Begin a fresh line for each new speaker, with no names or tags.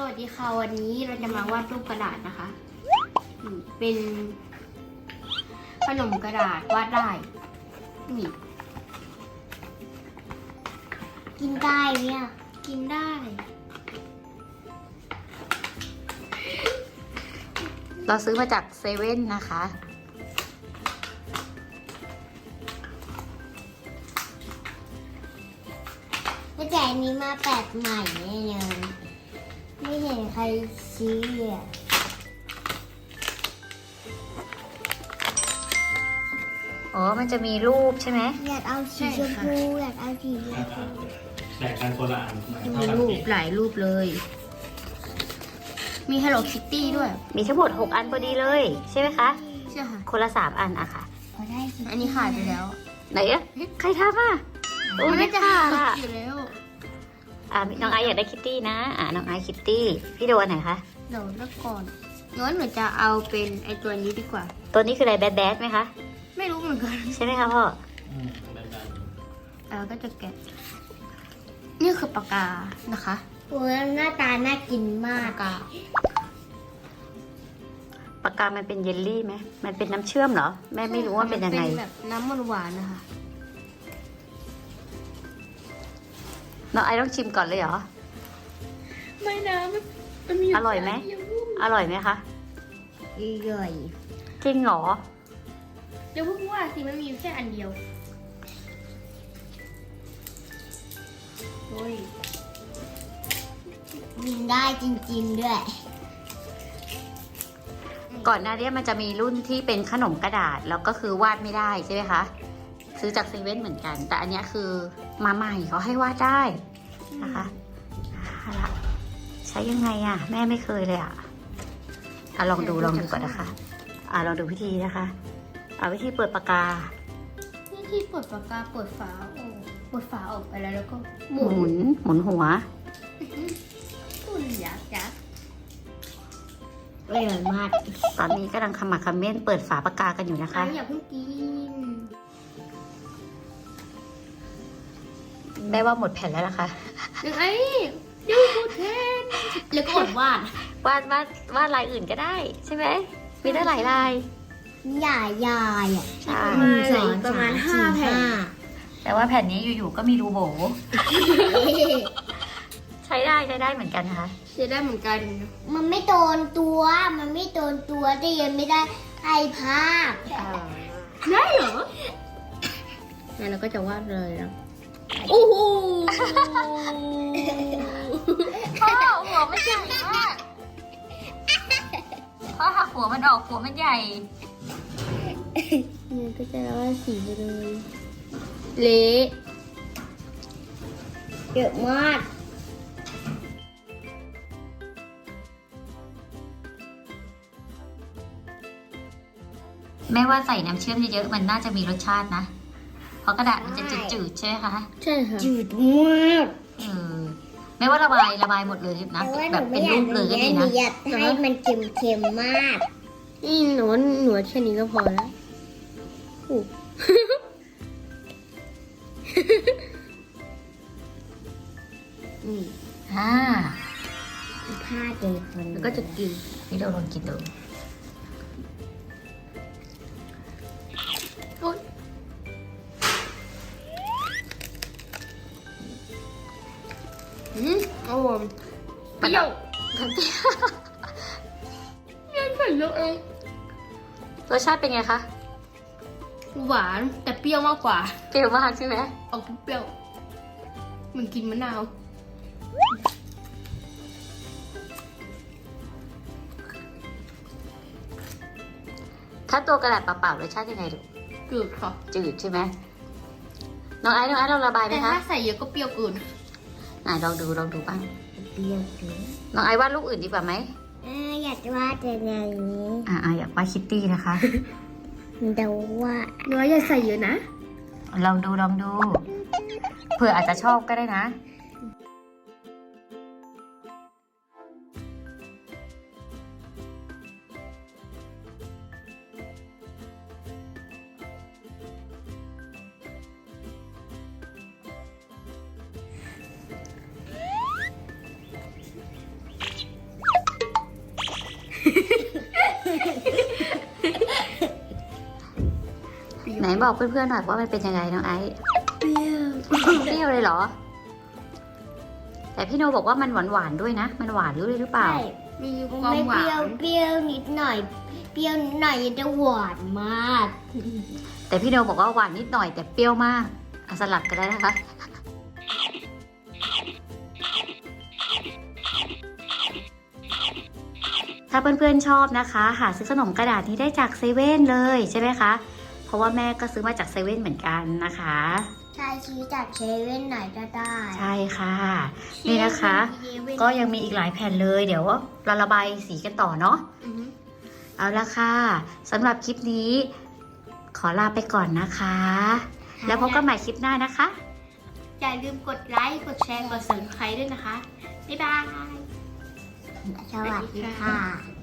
วัสดีค่ะวันนี้เราจะมาวาดรูปกระดาษนะคะเป็นขนมกระดาษวาดได้นี่กินได้เนี่ยกินได้
เราซื้อมาจากเซเว่นนะคะ
แต่อันนี้มาแปลกใหม่แน่เลยไม่เห็นใครซื้อเลย
อ๋อมันจะมีรูปใช่ไหม
อยากเอาสีชมพูอยากเอาสีชมพู
แบ่งกันคนละอัน
มีรูปหลายรูปเลย มี Hello Kitty ด้วย
มีทั้งหมด6 อันพอดีเลยใช่ไหมคะ
ใช่ค่ะ
คนละ3 อันอะค่ะ
พอได้อันนี้ขาดไปแล้ว
ไหนอะใครทำอะโอ้
มัน
ไม่
น่าจะ
ค่ะ
ขาดอยู่แล้ว
น้องไอซ์อยากได้คิตตี้นะน้องไอซ์คิตตี้พี่โดอันไหนคะ
เดี๋ยวเลือกก่อนหนูจะเอาเป็นไอตัวนี้ดีกว่า
ตัวนี้คืออะไรแบดแบดไหมคะ
ไม่รู้เหมือนกัน
ใช่ไหมคะพ่อ
แบ่งกัน
แล้วก็จะแกะนี่คือปากกานะคะโอ้ยหน้าตาน่ากินมากปากกา
ปากกามันเป็นเยลลี่ไหมมันเป็นน้ำเชื่อมเหรอแม่ไม่รู้ว่าเป็นยังไง
เป็นแบบน้ำหวานๆนะคะ
น้องไอซ์ต้องชิมก่อนเลยเหรอ
ไม่นะมันมี
อร่อยไหม อร่อยไหมคะ
อร่อย
จริงเหรอ
เดี๋ยวพูดว่าสิมันมีแค่อันเดียวโอ้ยกินได้จริงๆด้วย
ก่อนหน้านี้มันจะมีรุ่นที่เป็นขนมกระดาษแล้วก็คือวาดไม่ได้ใช่ไหมคะ ซื้อจากเซเว่นเหมือนกัน แต่อันเนี้ยคือมาใหม่เขาให้วาดได้นะคะเอาละใช้ยังไงอะแม่ไม่เคยเลยอะลองดูก่อนนะคะลองดูวิธีนะคะวิธีเปิดปากกา
นี่ที่เปิดปากกาเปิดฝาเปิดฝาออกไปแล้วก็ห
ห
มุ
มุ
น
นหัว
คุณยักษ์อร่อยมาก
ตอนนี้กำลังขมักเขม้นเปิดฝาปากกากันอยู่นะคะ
อย่าเพิ่งกิน
แม่ว่าหมดแผ่นแล้วนะคะ
ยังไงยูพูดแทนแล้วก็อดวาด
วาดลายอื่นก็ได้ใช่ไหมมีได้หลายลาย
ใหญ่ใหญ่อ่ะ
ใช่
ประมาณ5 แผ่น
แต่ว่าแผ่นนี้อยู่ๆก็มีรูโบ ใช้ได้เหมือนกันนะคะ
จะได้เหมือนกัน มันไม่โดนตัวแต่ยังไม่ได้ไอภาพได้เหรองั้นเราก็จะวาดเลยนะโอ้โห
พ่อหัวมันใหญ่มากพ่อหักหัวมันออกหัวมันใหญ่
เนี่ยก็จะวาดสีไปเลยเละเยอะมาก
แม่ว่าใส่น้ำเชื่อมเยอะๆมันน่าจะมีรสชาตินะ เพราะกระดาษมันจะจืดๆใช่ไหมคะ
ใช่ค่ะจืดมาก
แม่ว่าระบายหมดเลยนะแบบเป็นรูปเลยก็ดีนะ
อยากให้มันเค็มๆมากนี่หนูแค่นี้ก็พอแล้วนี่ ผ้าเจคนแล้วก็จะกิน
พี่เราลองกินดู
อร่อยเปรี้ยวยังใส่เยอะเอง
รสชาติเป็นไงคะ
หวานแต่เปรี้ยวมากกว่า
เปรี้ยวมากใช่ไหม
ออกเปรี้ยวเหมือนกินมะนาว
ถ้าตัวกระดาษเปล่าๆรสชาติยังไงลูก
จืดค่ะ
จืดใช่ไหมน้องไอซ์เราระบายไหม
แต่
คะ
ถ้าใส่เยอะก็เปรี้ยวเกิน
ไหนลองดูบ้าง
เปรี้ยวเกิน
น้องไอซ์วาดรูปอื่นดีกว่าไหม
อยากวาดอย่างนี้
อยากวาดคิตตี้นะคะ
เดาว่าเนื้ออย่าใส่เยอะนะ
ลองดูเผื่ออาจจะชอบก็ได้นะบอกเพื่อนๆหน่อยว่ามันเป็นยังไงน้องไอซ์
เปรี้ยว
เปรี้ยวเลยเหรอ แต่พี่โนบอกว่ามันหวานๆด้วยนะ มันหวานด้วยหรือเปล่า
ใช่
มีค
มัน
วาม
ไม่
ห
เป
วา
รี้ยวน เปรี้ยวนิดหน่อย เปรี้ยวนิดหน่อยจะหวานมาก
แต่พี่โนบอกว่าหวานนิดหน่อยแต่เปรี้ยวมากเอาสลับกันได้นะคะ ถ้าเพื่อนๆชอบนะคะ หาซื้อขนมกระดาษนี้ได้จากเซเว่นเลยใช่ไหมคะ เพราะว่าแม่ก็ซื้อมาจากเซเว่นเหมือนกันนะคะ
ใช่ซื้อจากเซเว่นไหนก็ได้
ใช่ค่ะ นี่นะคะ ก็ยังมีอีกหลายแผ่นเลย เดี๋ยวเราระบายสีกันต่อเนาะ
อือฮึ
เอาละค่ะสำหรับคลิปนี้ ขอลาไปก่อนนะคะ แล้วพบกันใหม่คลิปหน้านะคะ
อย่าลืมกดไลค์ กดแชร์ กด subscribe ด้วยนะคะ บ๊ายบาย
สวัสดีค่ะ